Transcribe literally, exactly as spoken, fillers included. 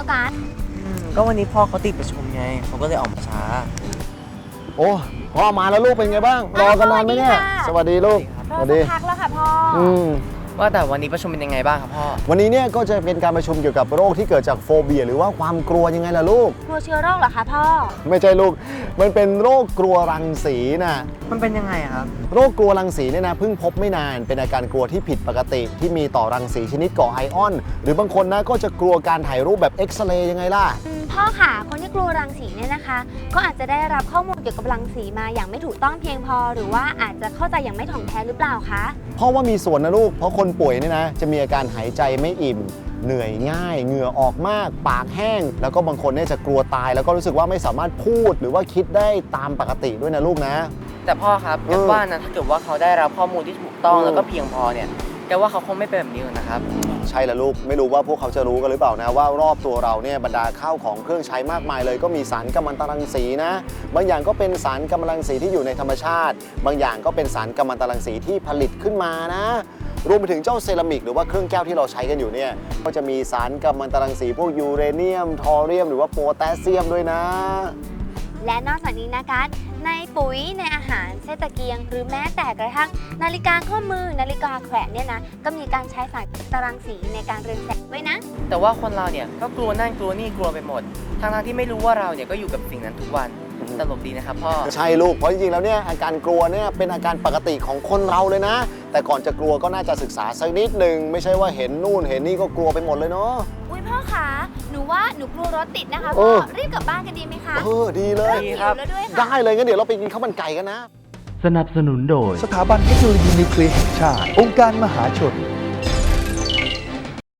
แล้วกันอืมก็วันนี้พ่อเขาติดประชุมไงเขาก็เลยออกมาช้าโอ้พ่อมาแล้วลูกเป็นไงบ้างรอกันนานไหมเนี่ยสวัสดีลูกรอสักพักแล้วค่ะพ่อออืมว่าแต่วันนี้ประชุมเป็นยังไงบ้างครับพ่อวันนี้เนี่ยก็จะเป็นการประชุมเกี่ยวกับโรคที่เกิดจากโฟเบียหรือว่าความกลัวยังไงล่ะลูกกลัวเชื้อโรคเหรอคะพ่อไม่ใช่ลูกมันเป็นโรคกลัวรังสีนะมันเป็นยังไงอะครับโรคกลัวรังสีเนี่ยนะเพิ่งพบไม่นานเป็นอาการกลัวที่ผิดปกติที่มีต่อรังสีชนิดก่อไอออน หรือบางคนนะก็จะกลัวการถ่ายรูปแบบเอ็กซเรย์ยังไงล่ะอืมพ่อค่ะ คนที่กลัวรังสีเนี่ยนะคะ ก็อาจจะได้รับข้อมูลเกี่ยวกับรังสีมาอย่างไม่ถูกต้องเพียงพอ หรือว่าอาจจะเข้าใจอย่างไม่ถ่องแท้หรือเปล่าคะเพราะว่ามีส่วนนะลูก เพราะคนป่วยเนี่ยนะจะมีอาการหายใจไม่อิ่ม เหนื่อยง่าย เหงื่อออกมาก ปากแห้ง แล้วก็บางคนเนี่ยจะกลัวตาย แล้วก็รู้สึกว่าไม่สามารถพูดหรือว่าคิดได้ตามปกติด้วยนะลูกนะแต่พ่อครับเออแกว่านะถ้าเกิดว่าเขาได้รับข้อมูลที่ถูกต้องเออแล้วก็เพียงพอเนี่ยแกว่าเขาคงไม่เป็นแบบนี้หรอกนะครับใช่ละลูกไม่รู้ว่าพวกเขาจะรู้กันหรือเปล่านะว่ารอบตัวเราเนี่ยบรรดาข้าวของเครื่องใช้มากมายเลยก็มีสารกัมมันตรังสีนะบางอย่างก็เป็นสารกัมมันตรังสีที่อยู่ในธรรมชาติ บางอย่างก็เป็นสารกัมมันตรังสีที่ผลิตขึ้นมานะรวมไปถึงเจ้าเซรามิกหรือว่าเครื่องแก้วที่เราใช้กันอยู่เนี่ยก็จะมีสารกัมมันตรังสีพวกยูเรเนียมทอเรียมหรือว่าโพแทสเซียมด้วยนะและนอกจากนี้นะคะในปุ๋ยในอาหารเส้นตะเกียง หรือแม้แต่กระทั่งนาฬิกาข้อมือนาฬิกาแขวนเนี่ยนะก็มีการใช้สารตรังสีในการเรืองแสงด้วยนะแต่ว่าคนเราเนี่ยก็กลัวนั่นกลัวนี่กลัวไปหมดทั้งๆที่ไม่รู้ว่าเราเนี่ยก็อยู่กับสิ่งนั้นทุกวันตลกดีนะครับพ่อใช่ลูกเพราะจริงๆแล้วเนี่ยอาการกลัวเนี่ยเป็นอาการปกติของคนเราเลยนะ แต่ก่อนจะกลัวก็น่าจะศึกษาสักนิดหนึ่งไม่ใช่ว่าเห็นนู่นเห็นนี่ก็กลัวไปหมดเลยเนาะอุ้ยพ่อคะหนูว่าหนูกลัวรถติดนะคะเอพ่ออรีบกลับบ้านกันดีไหมคะเออดีเลยดีครับหิวแล้วด้วยค่ะได้เลยงั้นเดี๋ยวเราไปกินข้าวมันไก่กันนะสนับสนุนโดยสถาบันเทคโนโลยีนิวเคลียร์แห่งชาติ องค์การมหาชน